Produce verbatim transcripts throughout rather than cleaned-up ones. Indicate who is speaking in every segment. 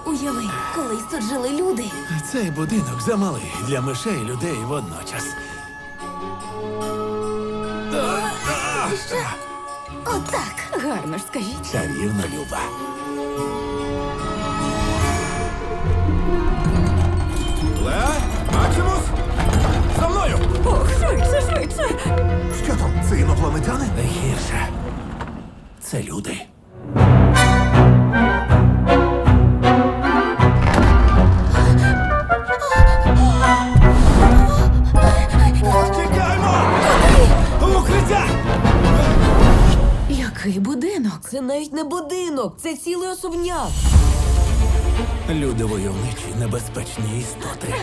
Speaker 1: Уяви, колись тут жили люди.
Speaker 2: Цей будинок замалий для мишей і людей водночас.
Speaker 1: Що? Отак. Гарно ж скажіть.
Speaker 2: Чарівно, Люба. Леа, Максимус! За мною!
Speaker 1: Ох, швидше, швидше.
Speaker 3: Що там? Це інопланетяни?
Speaker 2: Не гірше. Це люди. Тікаймо! В укриття!
Speaker 1: Який будинок? Це навіть не будинок, це цілий особняк.
Speaker 2: Люди войовничі, небезпечні істоти.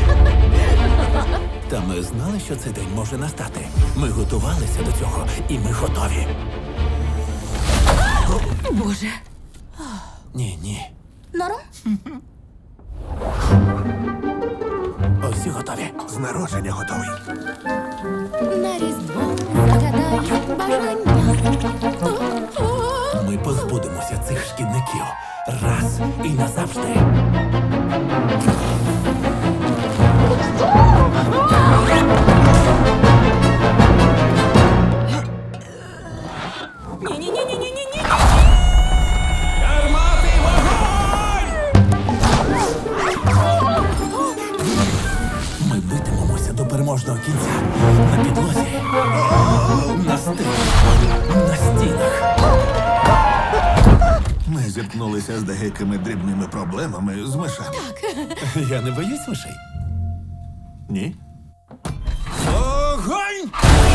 Speaker 2: Та ми знали, що цей день може настати. Ми готувалися до цього, і ми готові.
Speaker 1: Боже.
Speaker 2: Ні, ні.
Speaker 1: Норм?
Speaker 2: Усі готові.
Speaker 3: З народження готовий.
Speaker 1: На різдво загадаю бажання.
Speaker 2: Ми позбудемося цих шкідників раз і назавжди.
Speaker 1: Ні-ні-ні-ні-ні-ні.
Speaker 2: Гармати, вогонь! Ми битимемося до переможного кінця. На підлозі, на стелі, на стінах.
Speaker 3: Ми зіткнулися з деякими дрібними проблемами з мишами.
Speaker 2: Я не боюсь мишей.
Speaker 3: Ні?
Speaker 2: Огонь!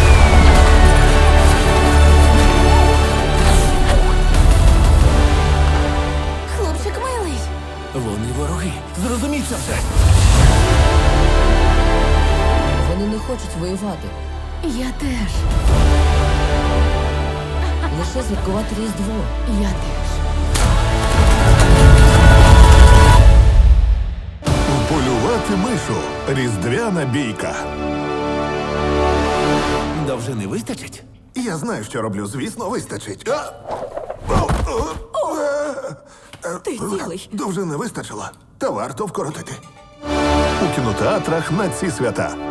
Speaker 1: Хлопчик милий.
Speaker 2: Вони вороги. Зрозуміть це все.
Speaker 4: Вони не хочуть воювати.
Speaker 1: Я теж.
Speaker 4: Лише святкувати Різдво.
Speaker 1: Я теж.
Speaker 3: Полювати мишу. Різдвяна бійка.
Speaker 2: Довжини вистачить?
Speaker 3: Я знаю, що роблю. Звісно, вистачить. А! О, о, е,
Speaker 1: Ти цілий.
Speaker 3: Довжини вистачило. Та варто вкоротити. У кінотеатрах на ці свята.